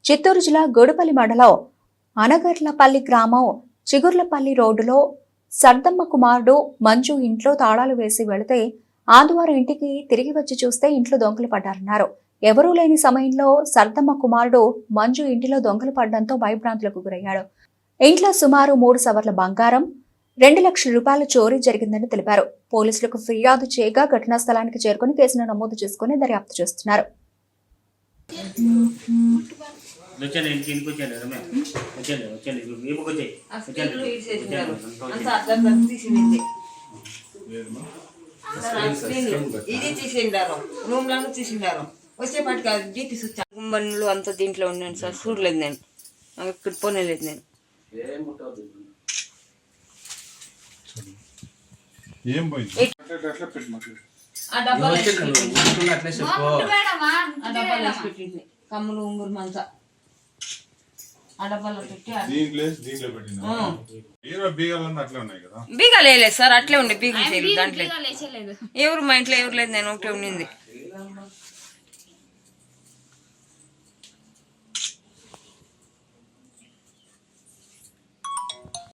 చిత్తూరు జిల్లా గోడుపల్లి మండలం అనగర్లపల్లి గ్రామం చిగుర్లపల్లి రోడ్డులో సర్దమ్మ కుమారుడు మంజు ఇంట్లో తాళాలు వేసి వెళితే ఆదివారం ఇంటికి తిరిగి వచ్చి చూస్తే ఇంట్లో దొంగలు పడ్డారన్నారు. ఎవరూ లేని సమయంలో సర్దమ్మ కుమారుడు మంజు ఇంటిలో దొంగలు పడడంతో భయభ్రాంతులకు గురయ్యాడు. ఇంట్లో సుమారు 3 సవర్ల బంగారం, 2 లక్షల రూపాయల చోరీ జరిగిందని తెలిపారు. పోలీసులకు ఫిర్యాదు చేయగా ఘటనా స్థలానికి చేరుకుని కేసును నమోదు చేసుకుని దర్యాప్తు చేస్తున్నారు. ఇది తీసిండారు, రూమ్ లను తీసిండారు. వచ్చేపాటికి జీపీ స్విచ్ బండ్లు అంతా దీంట్లో ఉన్నాను సార్. చూడలేదు నేను, ఇక్కడ పోనేలేదు నేను. ఆ డబ్బాలు పెట్టింది, కమ్ములు ఉంగురు మంచా ఆ డబ్బాలో పెట్టి బీగాలు వేయలేదు సార్. అట్లే ఉండే బీగలు చేయలేదు దాంట్లో. ఎవరు మా ఇంట్లో ఎవరు లేదు, నేను ఒకటే ఉండింది.